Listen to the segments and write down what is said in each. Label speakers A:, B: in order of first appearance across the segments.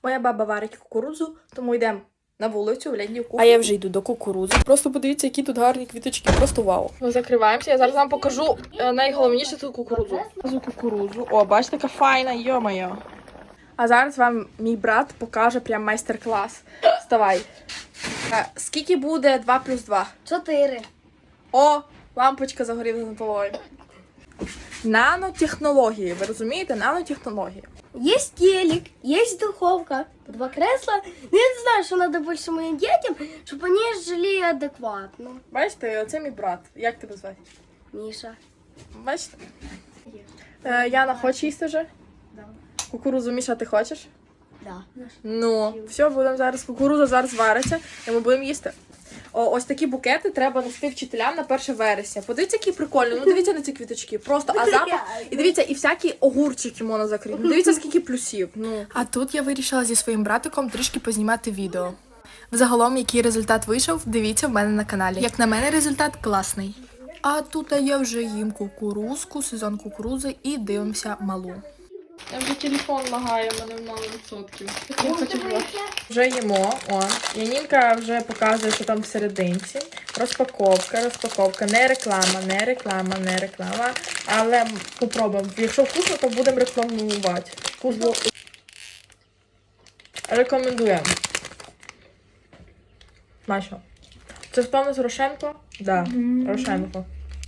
A: Моя баба варить кукурудзу, тому йдемо на вулицю, в літню кухню.
B: А я вже йду до кукурудзи. Просто подивіться, які тут гарні квіточки. Просто вау.
A: Ми закриваємося, я зараз вам покажу найголовніше тут кукурудзу. Кукурудзу. О, бачите, така файна, йо-моє. А зараз вам мій брат покаже прям майстер-клас. Вставай. Скільки буде 2 плюс 2?
C: 4.
A: О, лампочка загоріла над головою. Нанотехнології, ви розумієте? Нанотехнології.
C: Есть телек, есть духовка, 2 кресла. Ну, я не знаю, что надо больше моим детям, чтобы они жили адекватно.
A: Бачите, оце мій брат. Як тебе звати?
C: Миша.
A: Бачите? Яна, хочеш їсти вже?
C: Да.
A: Кукурудзу, Міша, ти хочеш?
C: Да.
A: Ну, все, будемо зараз. Кукурудза зараз вариться, і ми будемо їсти. Ось такі букети треба нести вчителям на 1 вересня. Подивіться, які прикольні. Ну, дивіться на ці квіточки. Просто, а запах. І дивіться, і всякі огурчики можна закрити. Ну, дивіться, скільки плюсів. Ну.
B: А тут я вирішила зі своїм братиком трішки познімати відео. Взагалом, який результат вийшов, дивіться в мене на каналі. Як на мене, результат класний. А тут я вже їм кукурузку, сезон кукурузи і дивимося малу.
A: Я вже телефон лагає, в мене мало відсотків. Вже їмо. О, Янінка вже показує, що там всерединці. Розпаковка. Не реклама. Але попробуємо. Якщо вкусно, то будемо рекламувати. Вкусно. Рекомендуємо. Смачно. Це спавно з Рошенко? Да, Рошенко.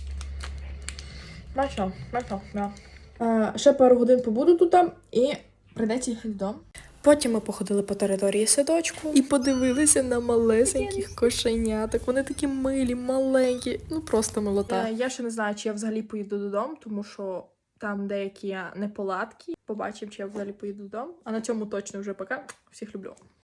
A: Смачно, да. Ще пару годин побуду тут і прийдеться їхати додому.
B: Потім ми походили по території садочку і подивилися на малесеньких кошеняток. Вони такі милі, маленькі, ну просто милота.
A: Я ще не знаю, чи я взагалі поїду додому, тому що там деякі неполадки. Побачимо, чи я взагалі поїду додому. А на цьому точно вже пока. Всіх люблю.